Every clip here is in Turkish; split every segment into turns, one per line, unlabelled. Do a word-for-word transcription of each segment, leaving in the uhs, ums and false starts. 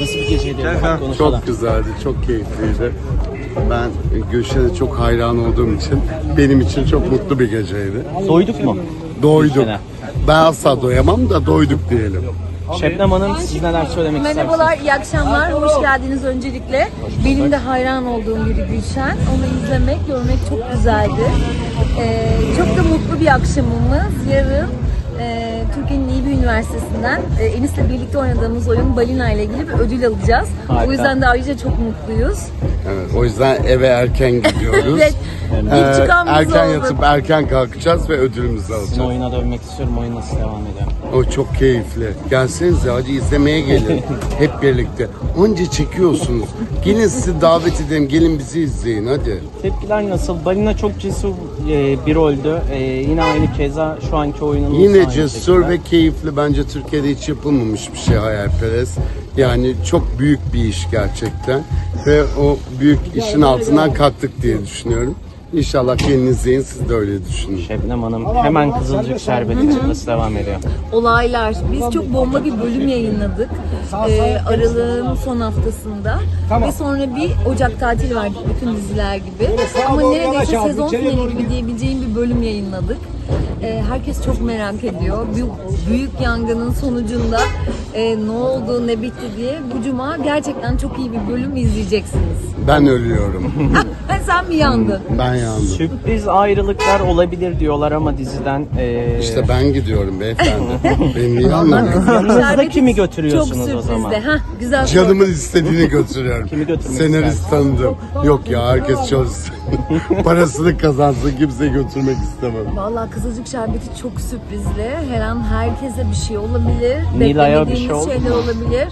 Nasıl bir geceydi? Konuşalım.
Çok güzeldi, çok keyifliydi. Ben Gülşen'e çok hayran olduğum için benim için çok mutlu bir geceydi.
Doyduk mu?
Doyduk.
Gülşen'e.
Ben asla doyamam da doyduk diyelim.
Şebnem Hanım, siz neler söylemek istersiniz?
Merhabalar, iyi akşamlar. Hoş geldiniz öncelikle. Benim de hayran olduğum biri Gülşen. Onu izlemek, görmek çok güzeldi. Ee, çok da mutlu bir akşamımız. Yarın e, Türkiye'nin iyi bir üniversitesinden e, Enis'le birlikte oynadığımız oyun Balina ile ilgili bir ödül alacağız.
Harika.
O yüzden de ayrıca çok mutluyuz.
Evet, o yüzden eve erken gidiyoruz.
Evet, ilk çıkan biz
erken
olduk.
yatıp erken kalkacağız ve ödülümüzü
Sizin
alacağız.
oyuna dönmek istiyorum. Oyun nasıl devam ediyor?
O çok keyifli. Gelsenize, hadi izlemeye gelin. Hep birlikte. Onca çekiyorsunuz. Gelin sizi davet edelim. Gelin bizi izleyin hadi.
Tepkiler nasıl? Balina çok cesur e, bir roldü. E, yine aynı keza şu anki oyunun
Yine cesur ve keyifli. Bence Türkiye'de hiç yapılmamış bir şey hayalperest. Yani çok büyük bir iş gerçekten. Ve o büyük işin altından kalktık diye düşünüyorum. İnşallah gelin izleyin, siz de öyle düşünün.
Şebnem Hanım, hemen Kızılcık Şerbeti çıkması devam ediyor.
Olaylar. Biz çok bomba bir bölüm yayınladık. Ee, Aralığın son haftasında. Ve sonra bir Ocak tatili verdik bütün diziler gibi. Ama neredeyse sezon finali gibi diyebileceğim bir bölüm yayınladık. Ee, herkes çok merak ediyor. Büyük, büyük yangının sonucunda e, ne oldu, ne bitti diye. Bu cuma gerçekten çok iyi bir bölüm izleyeceksiniz.
Ben ölüyorum.
Ha, sen mi yandın?
Ben yandım.
Sürpriz ayrılıklar olabilir diyorlar ama diziden... E,
İşte ben gidiyorum beyefendi. Beni niye anlamıyorsun?
yanınızda
Şerbeti
kimi götürüyorsunuz
çok
o zaman?
sürprizde. Hah, güzel.
Canımın istediğini götürüyorum.
Kimi götürmek
Senarist
istersin?
tanıdım. Yok ya, herkes çalışsın. Parasını kazansın, kimseyi götürmek istemem.
Vallahi Kızılcık Şerbeti çok sürprizli. Her an herkese bir şey olabilir.
Nilay'a bir
Beklemediğimiz
şey oldu
şeyler
mu?
olabilir.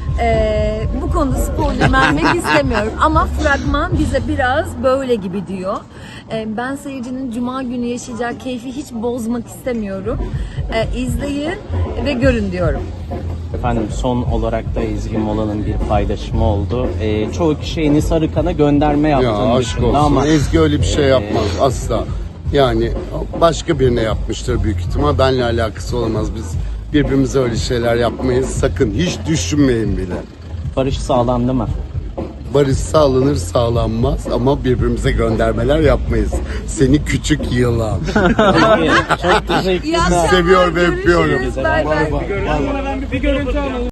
Ee, bu konuda spoiler vermek istemiyorum. Ama fragman bize biraz böyle gibi diyor. Ee, ben seyircinin cuma günü yaşayacağı keyfi hiç bozmak istemiyorum. Ee, izleyin ve görün diyorum.
Efendim son olarak da Ezgi Mola'nın bir paylaşımı oldu. Ee, çoğu kişi Enis Arıkan'a gönderme
Ya
yaptığını
aşk
düşündü
olsun.
ama
Ezgi öyle bir şey yapmaz asla. Yani başka birine yapmıştır büyük ihtimal. Benle alakası olamaz. Biz birbirimize öyle şeyler yapmayız. Sakın hiç düşünmeyin bile.
barış sağlandı mı?
Barış sağlanır sağlanmaz ama birbirimize göndermeler yapmayız. Seni küçük yılan.
Peki, çok
İyi
teşekkürler.
akşamlar,
Seviyor ve öpüyorum.
görüşürüz. Bay bay.